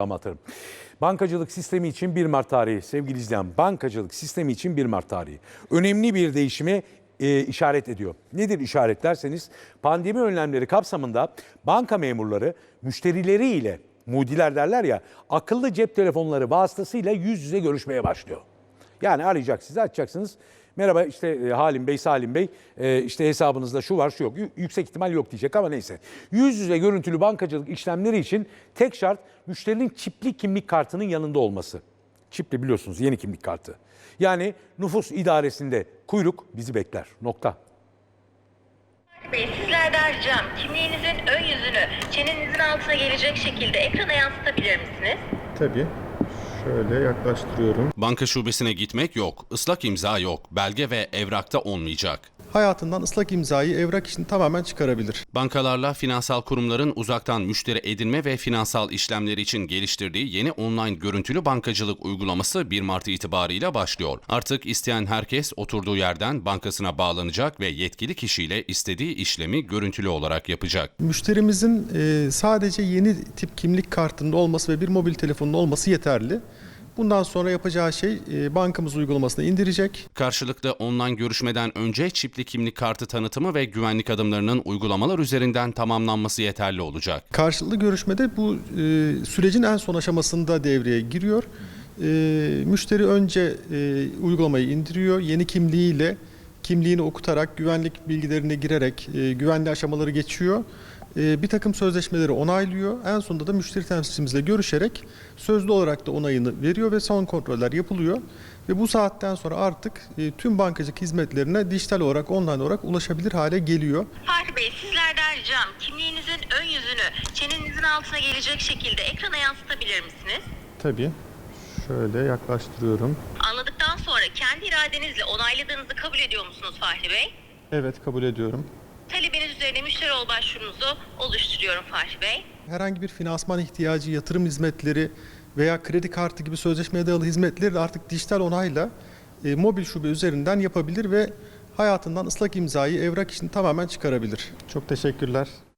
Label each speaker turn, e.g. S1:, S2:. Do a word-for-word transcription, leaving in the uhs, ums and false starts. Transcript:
S1: Amatörüm. Bankacılık sistemi için bir Mart tarihi sevgili izleyen, bankacılık sistemi için bir Mart tarihi önemli bir değişime e, işaret ediyor. Nedir işaret derseniz, pandemi önlemleri kapsamında banka memurları müşterileriyle, mudiler derler ya, akıllı cep telefonları vasıtasıyla yüz yüze görüşmeye başlıyor. Yani arayacak, sizi açacaksınız. Merhaba işte e, Halim Bey, Salim Bey, e, işte hesabınızda şu var şu yok. Y- yüksek ihtimal yok diyecek ama neyse. Yüz yüze görüntülü bankacılık işlemleri için tek şart müşterinin çipli kimlik kartının yanında olması. Çipli biliyorsunuz, yeni kimlik kartı. Yani nüfus idaresinde kuyruk bizi bekler. Nokta.
S2: Bey, sizlerden ricam kimliğinizin ön yüzünü çenenizin altına gelecek şekilde ekrana yansıtabilir misiniz?
S3: Tabii. Şöyle yaklaştırıyorum.
S4: Banka şubesine gitmek yok, ıslak imza yok, belge ve evrakta olmayacak.
S3: Hayatından ıslak imzayı, evrak işini tamamen çıkarabilir.
S4: Bankalarla finansal kurumların uzaktan müşteri edinme ve finansal işlemleri için geliştirdiği yeni online görüntülü bankacılık uygulaması bir Mart itibarıyla başlıyor. Artık isteyen herkes oturduğu yerden bankasına bağlanacak ve yetkili kişiyle istediği işlemi görüntülü olarak yapacak.
S3: Müşterimizin e, sadece yeni tip kimlik kartının olması ve bir mobil telefonun olması yeterli. Bundan sonra yapacağı şey e, bankamız uygulamasını indirecek.
S4: Karşılıklı online görüşmeden önce çipli kimlik kartı tanıtımı ve güvenlik adımlarının uygulamalar üzerinden tamamlanması yeterli olacak.
S3: Karşılıklı görüşmede bu e, sürecin en son aşamasında devreye giriyor. E, müşteri önce e, uygulamayı indiriyor. Yeni kimliğiyle kimliğini okutarak, güvenlik bilgilerine girerek e, güvenli aşamaları geçiyor. E, bir takım sözleşmeleri onaylıyor. En sonunda da müşteri temsilcimizle görüşerek sözlü olarak da onayını veriyor ve son kontroller yapılıyor. Ve bu saatten sonra artık e, tüm bankacılık hizmetlerine dijital olarak, online olarak ulaşabilir hale geliyor.
S2: Fatih Bey, sizlerden ricam kimliğinizin ön yüzünü çenenizin altına gelecek şekilde ekrana yansıtabilir misiniz?
S3: Tabii. Şöyle yaklaştırıyorum.
S2: Anladıktan sonra kendi iradenizle onayladığınızı kabul ediyor musunuz Fatih Bey?
S3: Evet, kabul ediyorum.
S2: Talebiniz üzerine müşteri ol başvurunuzu oluşturuyorum Fatih Bey.
S3: Herhangi bir finansman ihtiyacı, yatırım hizmetleri veya kredi kartı gibi sözleşmeye dayalı hizmetleri de artık dijital onayla e, mobil şube üzerinden yapabilir ve hayatından ıslak imzayı, evrak işini tamamen çıkarabilir. Çok teşekkürler.